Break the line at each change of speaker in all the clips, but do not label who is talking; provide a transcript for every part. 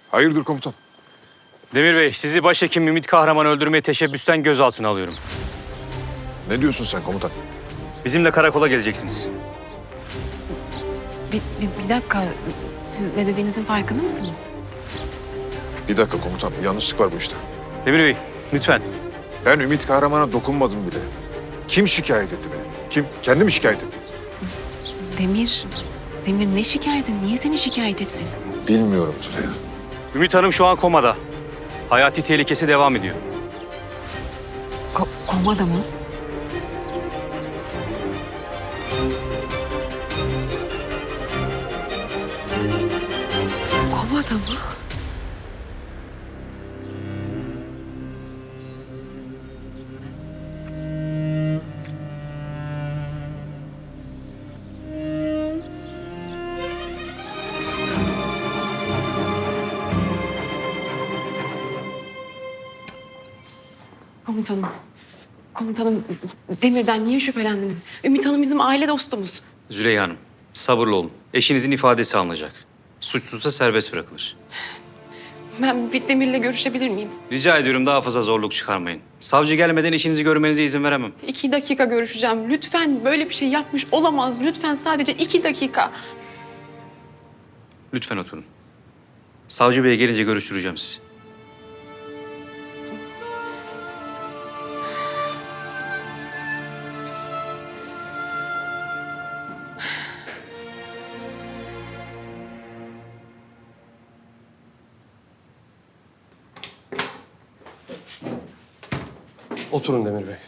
Hayırdır komutan?
Demir Bey, sizi başhekim Ümit Kahraman'ı öldürmeye teşebbüsten gözaltına alıyorum.
Ne diyorsun sen komutan?
Bizimle karakola geleceksiniz.
Bir dakika. Siz ne dediğinizin farkında mısınız?
Bir dakika komutan, bir yanlışlık var bu işte.
Demir Bey, lütfen.
Ben Ümit Kahraman'a dokunmadım bile. Kim şikayet etti beni? Kim? Kendi mi şikayet etti?
Demir ne şikayeti? Niye seni şikayet etsin?
Bilmiyorum Züleyha.
Ümit Hanım şu an komada. Hayati tehlikesi devam ediyor.
Komada mı? Komada mı? Komutanım, Demir'den niye şüphelendiniz? Ümit Hanım bizim aile dostumuz.
Züleyha Hanım, sabırlı olun. Eşinizin ifadesi alınacak. Suçsuzsa serbest bırakılır.
Ben bir Demir'le görüşebilir miyim?
Rica ediyorum daha fazla zorluk çıkarmayın. Savcı gelmeden eşinizi görmenize izin veremem.
2 dakika görüşeceğim. Lütfen böyle bir şey yapmış olamaz. Lütfen sadece 2 dakika.
Lütfen oturun. Savcı Bey gelince görüştüreceğim sizi.
Oturun Demir Bey.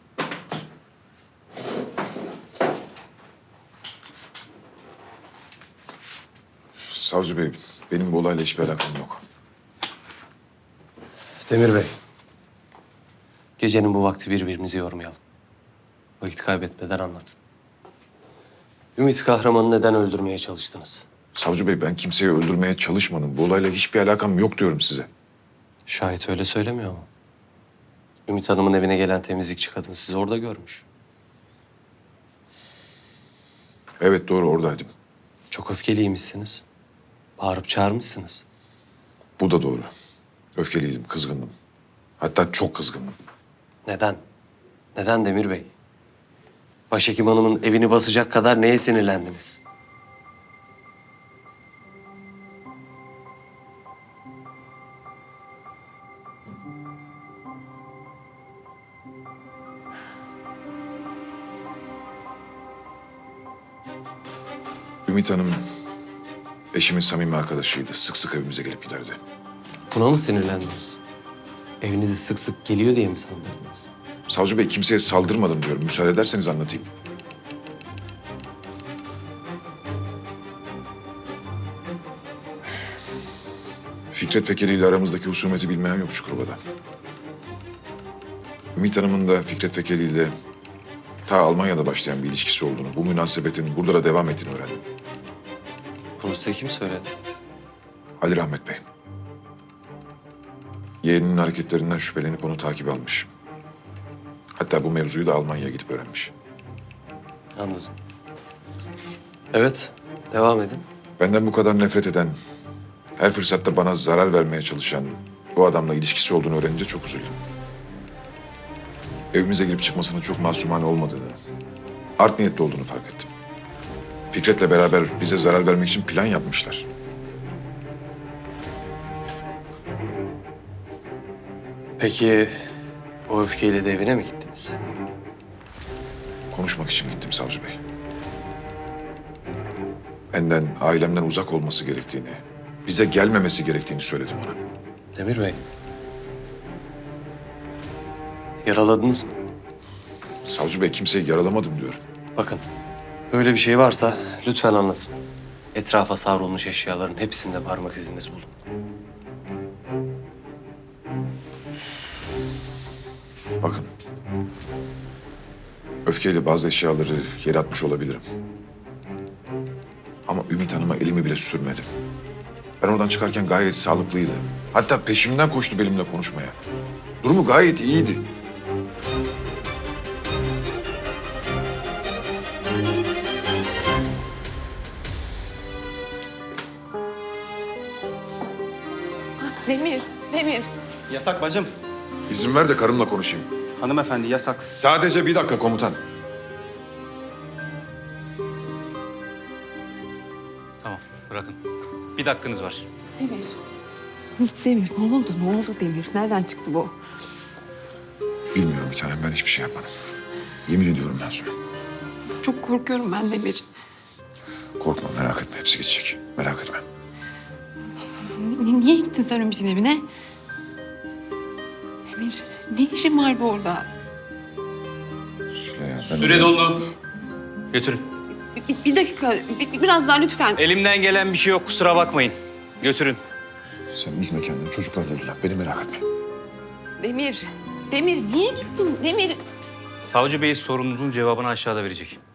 Savcı Bey, benim bu olayla hiçbir alakam yok.
Demir Bey. Gecenin bu vakti birbirimizi yormayalım. Vakit kaybetmeden anlatın. Ümit Kahraman'ı neden öldürmeye çalıştınız?
Savcı Bey, ben kimseyi öldürmeye çalışmadım. Bu olayla hiçbir alakam yok diyorum size.
Şahit öyle söylemiyor mu? Ümit Hanım'ın evine gelen temizlikçi kadın sizi orada görmüş.
Evet, doğru, oradaydım.
Çok öfkeliymişsiniz. Bağırıp çağırmışsınız.
Bu da doğru. Öfkeliydim, kızgındım. Hatta çok kızgındım.
Neden? Neden Demir Bey? Başhekim Hanım'ın evini basacak kadar neye sinirlendiniz?
Ümit Hanım eşimin samimi arkadaşıydı. Sık sık evimize gelip giderdi.
Buna mı sinirlendiniz? Evinize sık sık geliyor diye mi sandırdınız?
Savcı Bey, kimseye saldırmadım diyorum. Müsaade ederseniz anlatayım. Fikret Fekeli ile aramızdaki husumeti bilmeyen yok Çukurova'da. Ümit Hanım'ın da Fikret Fekeli ile ta Almanya'da başlayan bir ilişkisi olduğunu, bu münasebetin burada da devam ettiğini öğrendim.
Bunu size kim söyledi?
Ali Rahmet Bey. Yeğeninin hareketlerinden şüphelenip onu takip almış. Hatta bu mevzuyu da Almanya'ya gidip öğrenmiş.
Anladım. Evet, devam edin.
Benden bu kadar nefret eden, her fırsatta bana zarar vermeye çalışan bu adamla ilişkisi olduğunu öğrenince çok üzüldüm. Evimize girip çıkmasının çok masumane olmadığını, art niyetli olduğunu fark ettim. Fikret'le beraber bize zarar vermek için plan yapmışlar.
Peki o öfkeyle de evine mi gittiniz?
Konuşmak için gittim savcı bey. Benden, ailemden uzak olması gerektiğini, bize gelmemesi gerektiğini söyledim ona.
Demir Bey. Yaraladınız mı?
Savcı bey, kimseyi yaralamadım diyorum.
Bakın, böyle bir şey varsa lütfen anlatın. Etrafa savrulmuş eşyaların hepsinde parmak iziniz bulun.
Bakın, öfkeyle bazı eşyaları yere atmış olabilirim. Ama Ümit Hanım'a elimi bile sürmedim. Ben oradan çıkarken gayet sağlıklıydı. Hatta peşimden koştu benimle konuşmaya. Durumu gayet iyiydi.
Demir, Demir.
Yasak bacım.
İzin ver de karımla konuşayım.
Hanımefendi yasak.
Sadece bir dakika komutan.
Tamam, bırakın. Bir dakikanız var.
Demir. Demir ne oldu? Ne oldu Demir? Nereden çıktı bu?
Bilmiyorum bir tanem, ben hiçbir şey yapmadım. Yemin ediyorum ben sana.
Çok korkuyorum ben Demir.
Korkma, merak etme, hepsi geçecek. Merak etme.
Niye gittin sen Ümit'in evine? Demir, ne işin vardı orada?
Süleyman,
Süre doldu. Götürün.
Bir dakika, biraz daha lütfen.
Elimden gelen bir şey yok, kusura bakmayın. Götürün.
Sen üzme kendini, çocuklarla ilgilen. Beni merak etme.
Demir, Demir niye gittin? Demir.
Savcı Bey sorunuzun cevabını aşağıda verecek.